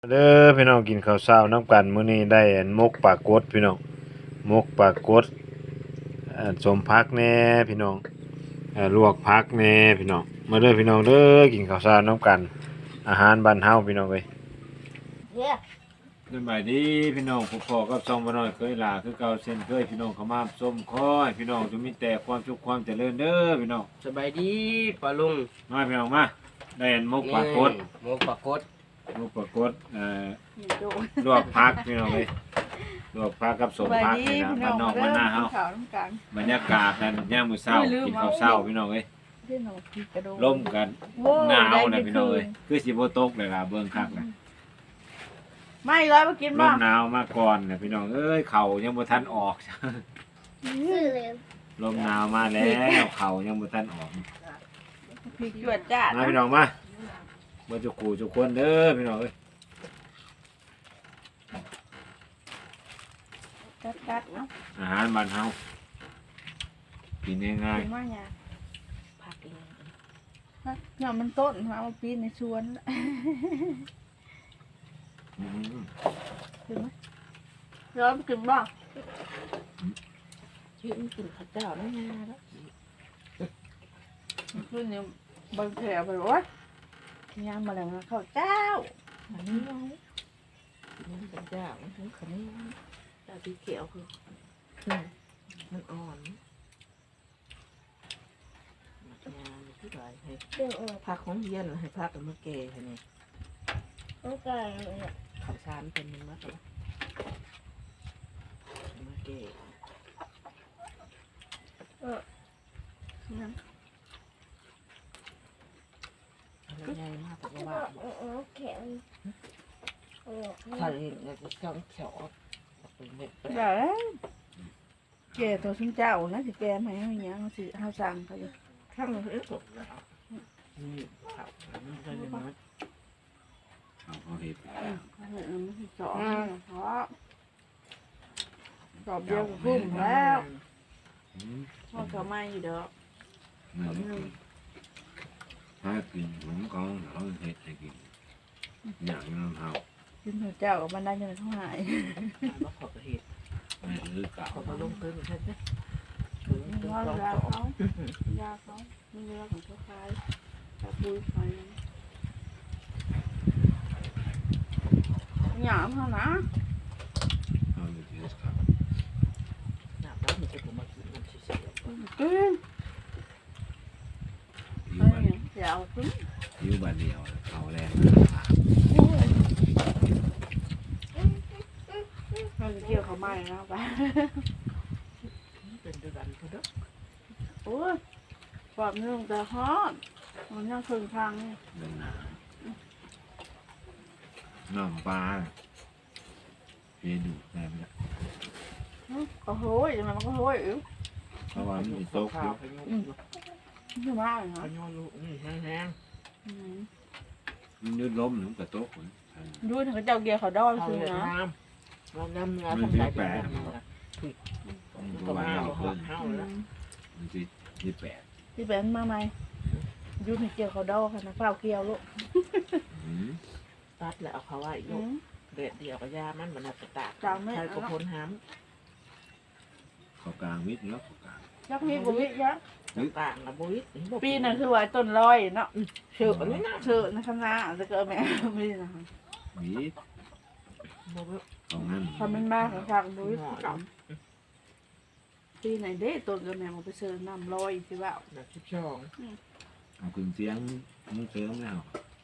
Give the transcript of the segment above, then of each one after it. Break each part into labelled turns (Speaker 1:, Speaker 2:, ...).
Speaker 1: เด้อพี่น้องกินข้าวเช้าน้ำกันมื้อนี้ได้อันมกปลากดพี่น้องมกปลากดสมพักแหน่พี่น้องลวกผักแหน่พี่น้องมาเด้อพี่น้องเด้อกินข้าวเช้าน้ำกันอาหารบ้านเฮาพี่น้องเอ้ย
Speaker 2: เนี่ย
Speaker 1: สบายดีพี่น้องผู้พ่อกับช่องบ่น้อยเคยลาคือเก่าเช่นเคยพี่น้องเข้ามาส้มคอยพี่น้องจะมีแต่ความสุขความเจริญเด้อพี่น้อง
Speaker 3: สบายดีปลาลุง
Speaker 1: มาพี่น้องมาได้อันมกปลากด
Speaker 3: หมูปลากด
Speaker 1: มกปลากดลวกผักพี่น้องเอ้ยลวกผักกับสมผักนี่นะบ้านนอกบ้านนาเฮาบรรยากาศนั้นยามมื้อเช้ากินข้าวเช้าพี่น้องเอ้ยร่มกันหนาวนะพี่น้องเอ้ยคือสิบ่ตกเลยล่ะเบิ่งคักนะ
Speaker 2: ไม่ร้อยมากิน
Speaker 1: ร่
Speaker 2: บ้าม
Speaker 1: หนาวมาก่อนนะพี่น้องเอ้ยเข่ายังบ่ทันออก ลมหนาวมาแล้วเข่ายังบ่ทันออก
Speaker 2: พริกจวดจ้า
Speaker 1: มาพี่น้องมาบ่จุกูจุกคนเด้อพี่น้องเอ้ย
Speaker 2: กัดเนาะ
Speaker 1: อาหารบ้านเฮากินง่าย
Speaker 2: กินว่าเนี่ยผักเองเนี่ยมันต้นมาปีนในสวน
Speaker 1: ๆอืม
Speaker 2: กินไหมร้อยมากินบ้าง
Speaker 3: ชื่อมันกินข้าวเจ้าไม่งาแล้ว
Speaker 2: คือเนี่ยบางแผลไปวะย่างมาแล้วนะข้าวเจ้า
Speaker 3: อันนี้ไว้กินมันเป็นเจ้ามันถึงขมิ้นแต่ที่เขียวคือมันอ่อนมันงานที่ไหนให้พักของเย็นให้พักกับมะเกยให้นี่
Speaker 2: ต้องการ
Speaker 3: ข้าวสารเป็นมันมากเลยมะเกย
Speaker 2: นั่น
Speaker 3: อะไรใหญ่มากแต่ว่า
Speaker 2: แข็ง
Speaker 3: ถ้าเห็นก็ต้องเขียวเป็นเม็ด
Speaker 2: เดี๋ยวแกตัวชิ้นเจ้านะสิแกไม่ให้ยังสิเฮาสั่งเขาอยู่
Speaker 3: ข้างมันเอ๊ะสดแล้วนี่ครับมันจะเป็นมัน
Speaker 1: เอาเห็ด
Speaker 2: เขาเห็นมันสิสองเพราะสอบเดียวกับพุ่มแล้ว
Speaker 1: อืม
Speaker 2: พ่อเขาไม่อยู่เด้อ
Speaker 1: ถ้ากินผมก็เอาเห็ดให้กินอย่างนั้นเฮา
Speaker 2: กินหัวเจ้ากับมันได้ยังเท่าไหร่
Speaker 3: มาขอกระเห็ด
Speaker 1: ไม่คือเก่า
Speaker 3: ขอมาลงเพิ่มใช่ไหม
Speaker 2: ว่ายาเขายาเขาไม่เลือกของเขาคล้ายแต่ปุ้ยไฟหยามเขานะ
Speaker 1: เอาอยู่ที่ครับ
Speaker 3: หนักแล้วมันจะผมมากินมันเฉย
Speaker 2: กิน
Speaker 1: อยู่
Speaker 2: อะไร
Speaker 1: บ้าน
Speaker 2: อย่างเดียวกิน
Speaker 1: อยู่บ้านเดียวเอาแรง
Speaker 2: เราจะเกี่ยวเขาไม่นะไป
Speaker 3: ๆเป็นด้วยกันเขาเด้อ
Speaker 2: โอ้ยความเรื่องแต่ฮอตมันยังคืนทางนี่
Speaker 1: เดินหนาน้ำปลาเพียดูได้ไหม
Speaker 2: ก็โหยยังไงมันก็โหยอยู่
Speaker 1: เพราะว่ามันมีโต๊ะ
Speaker 3: ข้า
Speaker 1: อ
Speaker 3: ว
Speaker 1: ยู่
Speaker 3: พายุ
Speaker 2: ไม่มากเลย
Speaker 3: พา
Speaker 2: นะ
Speaker 3: ยุลูกแห้ง
Speaker 1: มันยืดล้มหนึ่งกับโต๊ะคน
Speaker 2: ดูถึงเจ้าเกียร์เขาด้อย
Speaker 3: ๆข้าว
Speaker 2: คือ
Speaker 3: เวียด
Speaker 2: นะ
Speaker 3: นามเราดำเนื้อทำได้เป็นแบบนี้นะ
Speaker 1: มัน
Speaker 3: ก็
Speaker 1: ตัว
Speaker 3: มา
Speaker 1: เอา
Speaker 3: เอา
Speaker 1: เพิ่น
Speaker 3: ข้าวแล้ว
Speaker 1: มันสิ28
Speaker 2: ที่เป็นมาไหมดูถึงเกียร์เขาด้อยค่ะนะเปล่าเกียวลูก
Speaker 1: อืม
Speaker 3: ตัดแล้วเอาเขาไว้ลูกเด็ดเดียวกับยามันมันจะตากใครก็พ้นห้ำ
Speaker 1: เข้ากลางมิดเนาะเข้ากลาง
Speaker 2: ยักษ์มีบุวิยะ
Speaker 3: ต่างกับบุ้ย
Speaker 2: ปีนั้นคือว่าต้นลอยเนาะ
Speaker 3: เชื่อเลยนะ
Speaker 2: เชื่อในคณะจะเกิดแม่ไม่นะ
Speaker 1: มิด
Speaker 3: บุ้ย
Speaker 1: ตรงนั้น
Speaker 2: ทำเป็นมากของทางบุวิกับปีไหนเด้ต้นกับแม่มาไปเชิญน้ำลอยสิว่า
Speaker 3: แบบชิบช่อง
Speaker 1: เอาขึ้นเสียงมึงเสริมแล้ว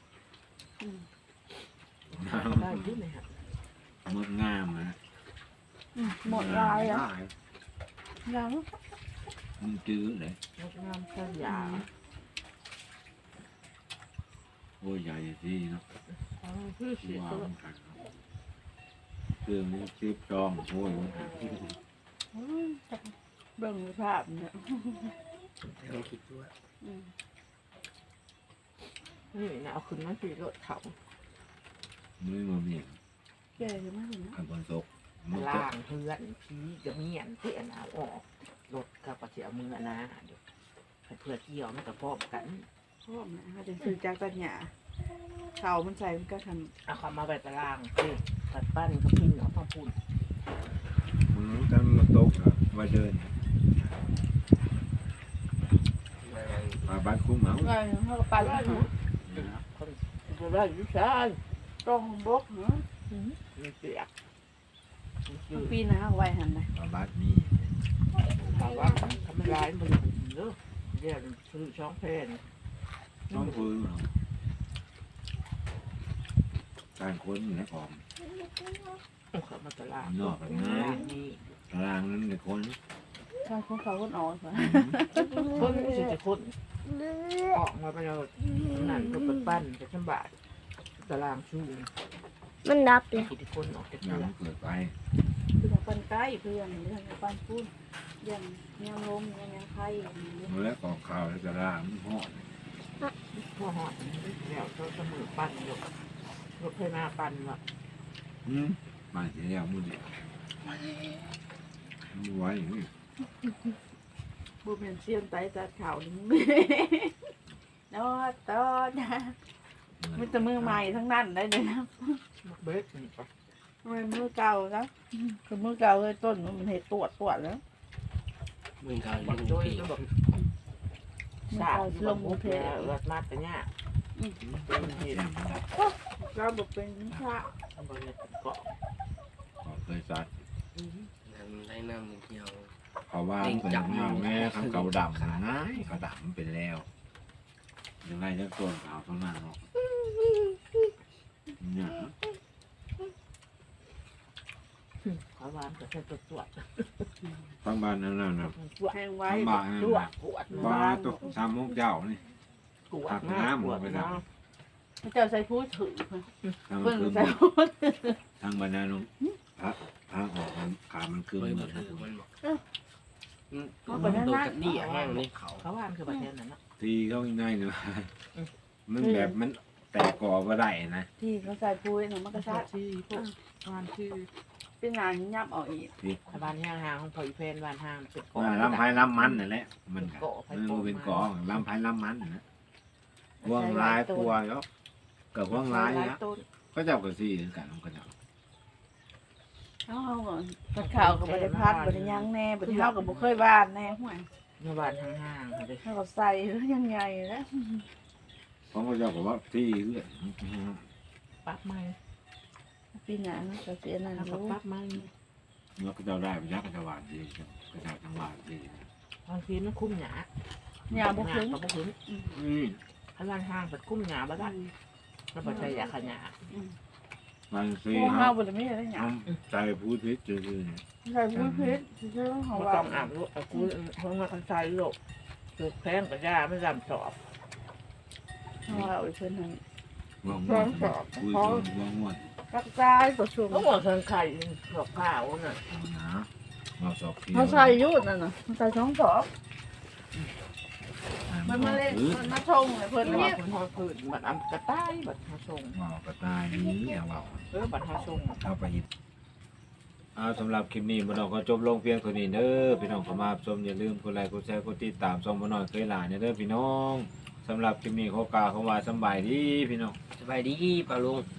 Speaker 3: ได้ยุ่ไหมฮะ
Speaker 1: หมดงามนะ
Speaker 2: หมดลายอ่ะยัง
Speaker 1: มันจื้อเลย
Speaker 3: งดงามแค่ยา
Speaker 1: โอ้ยใหญ่ที่เนาะ
Speaker 3: คือเสีย
Speaker 1: ว้า
Speaker 3: ตัว
Speaker 1: มันขัดเครื่องนี้ซิบจองโอ้ยมันขัด
Speaker 2: เบิ่งภาพเนี่ย
Speaker 3: เราคิดด้วยนี่นะเอาขึ้นมาสิรถเขา
Speaker 1: มือมาเมียน
Speaker 2: แก่ยังไม่เห็นนะ
Speaker 1: ขับบนศพมันจะ
Speaker 3: ล่างเฮือนผีจะเมียนเพื่อนเอาออกรถกับปะเสียมือนะเดี๋ยวเพื่อเกี่ยวมันกับพร้อมกัน
Speaker 2: พ่อแม่เขาจะซื้อจากตัญญาข่าวมันใส่มันก็ท
Speaker 3: เอาคำมาไปตารางสิตัดปั้นกับพินเอาต้องพูน
Speaker 1: กันมาตกอ่ะมาเดินมาบ้านคุ้มเหมา
Speaker 2: ำไงเขาก็ไปแล้ว
Speaker 3: คนจะได้ยุชาย
Speaker 2: ตรงบกเนาะ
Speaker 3: มีเสีย
Speaker 2: ปีนะไว้หันเลย
Speaker 1: มาบ้านนี้
Speaker 3: ถามว่าทำไม่ร้ายมันเยอะเดี๋ยวซื้อช่องเพลน
Speaker 1: ช่องพื้นการค้นในของ
Speaker 3: เขามาตลาดนี่
Speaker 1: ตารางนั้นในคน
Speaker 2: ใช่คนเขาคนอ่อนค่ะ
Speaker 3: คนไม่ใช่จะคนออกมาไปเรานั่นก็เป็นปั้นจะชำบาดตารางชู
Speaker 4: มันดับเลย
Speaker 3: กี่คนออกจาก
Speaker 1: ยั
Speaker 3: เรื
Speaker 1: ง
Speaker 3: อ
Speaker 1: เกิดไป
Speaker 2: คือปันใกล้เพื่อนเรื่องปันพูดอย่างยังลมยังไข่อย่างนี้
Speaker 1: เมื่อก่อข่าวแล้วตารางมันหอด
Speaker 3: พวกหอดแล้วก็เสมอปั้นอยู่รถเพนาปั้นว่ะ
Speaker 1: มาเสียแล้วมือเดียวมือไว้อย่างนี้
Speaker 2: บุญเป็นเสียนไตจัดข่าวนี่นอตอนมันจะมือใหม่ทั้งนั้นได้เลยนะ
Speaker 3: เบสนี่ปะ
Speaker 2: มันมือเก่าแล้วคือมือเก่าเลยต้นมันเห็ดตรวจแล้ว
Speaker 5: มึงเขา
Speaker 3: บัก
Speaker 5: เรื่อง
Speaker 3: โจ้ย
Speaker 5: ผี
Speaker 3: ก็บอก
Speaker 2: มือ
Speaker 3: สา
Speaker 2: เก่า
Speaker 3: ล
Speaker 2: ล
Speaker 3: ง
Speaker 2: ง
Speaker 3: มุ
Speaker 2: มุ
Speaker 3: ก
Speaker 2: เพ
Speaker 3: แล้รถมาแต่เนี่ยเป็นเหตุ
Speaker 2: เราบอกเป็นพระ
Speaker 3: บริเวณเกาะ
Speaker 1: ก็เคยจัด
Speaker 5: มันได้น้ำเที่ยว
Speaker 1: เขาว่าเป็นแม่ข้างเก่าดำนะเขาดำเป็นแล้วยังไงจะตัวขาวเท่านั้นหรอกเนี่ย
Speaker 3: เขาวานก็แค่ตรวจ
Speaker 1: ทั้งบ้านนั่นน่ะ
Speaker 3: ตรวจ
Speaker 2: แห้งไว้
Speaker 1: ทั้งบ้านนั่น
Speaker 3: ตรวจ
Speaker 1: น่ะ
Speaker 3: ตรวจ
Speaker 1: บ้านตกสามโมงเจ้านี่
Speaker 3: ตรวจนะตรวจนะ
Speaker 2: พระเจ้าใส่ผู้ถือ
Speaker 1: ทาง
Speaker 2: เพิ่น
Speaker 1: คือ
Speaker 2: ใส่ผู้
Speaker 1: ทางบ้านนั่นพระทางออกขามันคือ
Speaker 5: เคย
Speaker 1: เหมื
Speaker 5: มา
Speaker 1: อน
Speaker 5: ถือมันบอกมันโดนกับนี่แห้งในเขา
Speaker 3: เขาวานคือประเทศนั้นนะ
Speaker 1: ทีเขาง่ายๆเนาะมันแบบมันแต่ก่อก็ได้นะ
Speaker 2: ที่เขาใส่ผู้หนูมันก็
Speaker 3: ก็
Speaker 2: ชา
Speaker 3: ชาชื่อพวกวานชื่อ
Speaker 2: เป็นงานยับออกอีก
Speaker 3: วานห้างห้างของพอยเพนวานห้างเป็นเกาะ
Speaker 1: ว่าลำไผ่ลำมันนั่นแหละมันก็มันเป็นกองลำไผ่ลำมันนะห่วงลายกลัวเนาะกับห่วงลายนะ
Speaker 2: ต้น
Speaker 1: ก็เจ้าก็ซี่กันก็เจ้า
Speaker 2: เอาก่อนกระข่าวกับบริพัตรบริยังแน่บริเท่ากับบุเคยบ้านแน่ห่วย
Speaker 3: ในวานห้างห้างเลย
Speaker 2: เท่ากับใส่ยังไงแล้ว
Speaker 1: ของก็เจ้าก็ว่าที่เรื่อย
Speaker 3: ปั๊บไม้
Speaker 2: ปีหน้าก็เสียนั่น
Speaker 3: แล้วก็
Speaker 2: รู้
Speaker 3: ปั๊บไม้
Speaker 1: เมื่อก็เจ้าได้ไปยักก็จะหวานดีก็จะจังหวานดี
Speaker 3: บางทีมันคุ้มหยา
Speaker 2: อย่าบุกถึง
Speaker 3: ก็บุกถึงถ้าวานห้างเป็นคุ้มหยาบ้างแล้วพอใจอยากขยะ
Speaker 1: บางที
Speaker 2: พวก
Speaker 1: ค
Speaker 2: เฮา
Speaker 1: รับ
Speaker 2: บริไม่ได้หยัง
Speaker 1: ใจพูดพิษจืดเนี่ย
Speaker 2: ใส่ผู้พิษชื่อของ
Speaker 3: ไม่
Speaker 2: ว่า
Speaker 3: ต้องอาบลูกกูห้องมาคันใจลูกคือแพงกับยาไม่จำสอบ
Speaker 2: ของว่าอีกคนหนึ่ง
Speaker 1: ว่างว่างคุยว่างว่าง
Speaker 2: รักษาประชุม
Speaker 3: ก็บอกคันไข่สอบข้าวน่ะ
Speaker 1: นะเราสอบที
Speaker 2: เขาใส่ยุดนั่นน่ะใส่ช่องสอบมันมาเล่นมันมาชงเลยเพิ่น
Speaker 3: แล้ว
Speaker 2: เนี่ย
Speaker 3: คนพอผืนบัดอันกระต่ายบัดหาชง
Speaker 1: ว่าวกระต่ายนี้อย่าว่าว
Speaker 3: บัดหาชง
Speaker 1: เอาไปยิบเอาสำหรับคลิปนี้บ่น้องก็จบลงเพียงเท่านี้เด้อพี่น้องเข้ามาชมอย่าลืมกดไลค์กดแชร์กดติดตามช่องบ่น้อยเคยหลานเด้อพี่น้องสำหรับคลิปนี้ขอกล่าวคำว่าสำบายดีพี่น้อง
Speaker 5: สบายดีป่าลุง